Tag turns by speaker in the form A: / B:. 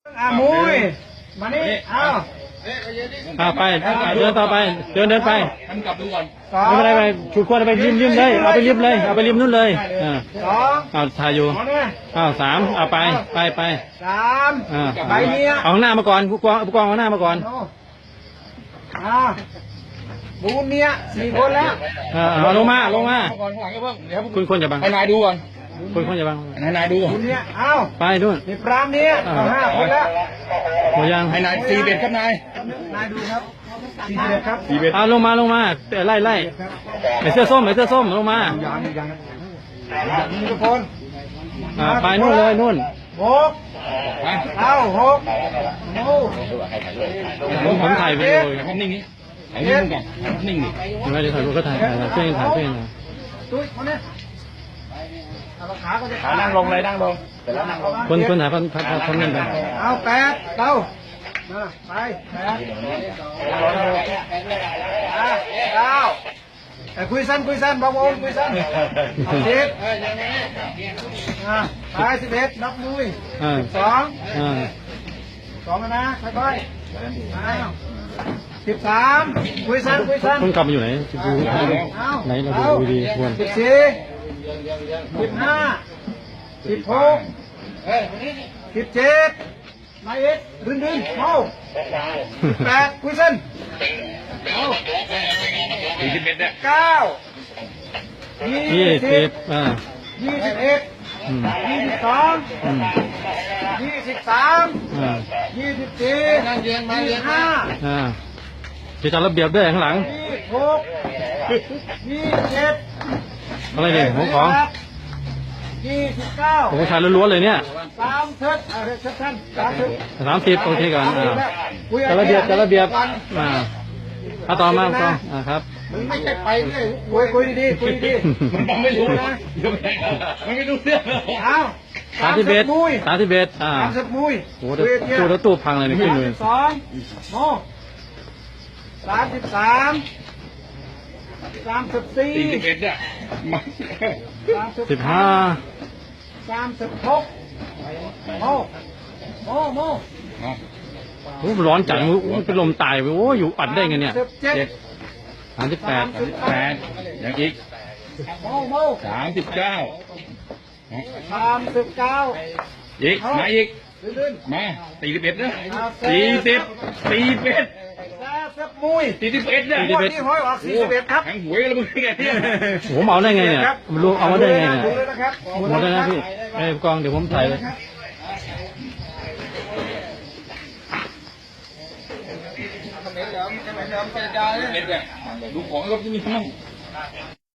A: มุยมานี่เอา
B: ไปเดินต่อไปเดินไป
C: ทำกลับดูก่อน
B: ไม่เป็นไรไปฉุดขวดไปริมเลยเอาไปริมเลยเอาไปริมนู่นเลยเอาถ่ายอยู่สามเอาไป
A: สามใบเนี้ย
B: เอาหน้ามาก่อนผู้กองเอาหน้ามาก่อน
A: บูนเนี้ย4 คนแล้ว
B: เอาลงมา
C: ก่อนข้างหลังก็เพิ่งเดี๋ยว
B: คุณคนจะบัง
C: ให้นายดูก่อน
B: คุณจะบัง
C: ให้นายดู
A: บูนเนี้ยเอา
B: ไปนู่น
A: มีพรามเนี้ย5 คนแล้ว
B: หมดยัง
C: ให้นาย41ครับนาย
A: ดูครับ41ครับ
B: เอาลงมาไล่ไอ้เสื้อส้มลงมา
A: มีทุกคน
B: ไปนู่นเลยนู่น
A: 6เอา6
B: ผมถ่ายวิดีโอ
C: ภาพนิ่งนี้ถ่ายนิ่งก่อนนิ่งดิ
B: ไม่ได้ถ่ายรูปก็ถ่ายเพื่อน
A: ตุ้ยคนนี้
C: ขานั่งลงเลยนั่งลงแต่แล้วนั่งลง
B: คนถ่ายพันนั่นไป
A: เอา8เราไป9แต่คุยสั้นบางองคุยสั้น10ไป11นับมุ้ย12นะค่อยๆ13คุยสั้น
B: คนกลับมาอยู่ไหนดูไหนเราดูดีควร
A: 14 15 16 17นายเอ็ดดึงเมา18คุยสั้น
C: 41เนี่ย
A: 9 20 21 22 23 24
C: นั่งเรียนมาเรียน
B: จะจัดระเบียบด้วยข้างหลัง
A: 26 27
B: อะไรเนี่ยของ
A: 29
B: ผมชายล้วนๆเลยเนี่ย30โอเคก่อนจัดระเบียบต่อมาครับ
A: มึงไม่ใช่ไปเลยคุยดี
C: มันไม่รู้นะมันไม่รู้เรื่อง
A: เอา
B: 31มุยโอ้โหตู้แล้วตู้พังเลยนี่ขึ้นเลย
A: 32โม33 34
C: 41เนี่ย
B: 15
A: 36โม
B: โอ้ร้อนจังเป็นลมตายไปโอ้อยู่อัดได้ไงเนี่ย
C: 38อย่างอีก39อีกมาอีกมา41นะ41
A: มุ้ย
C: 41เนี่ย
A: ที่ห้อยออก41ครับ
C: แข็งหวยแล้วมึงไงเนี่ย
B: ผมเอาได้ไงเนี่ยมันรู้เอามาได้ไงเนี่ยหมดแล้วนะพี่ไอ้กองเดี๋ยวผมถ่ายเลย
C: ดูของก็จะมีทั้ง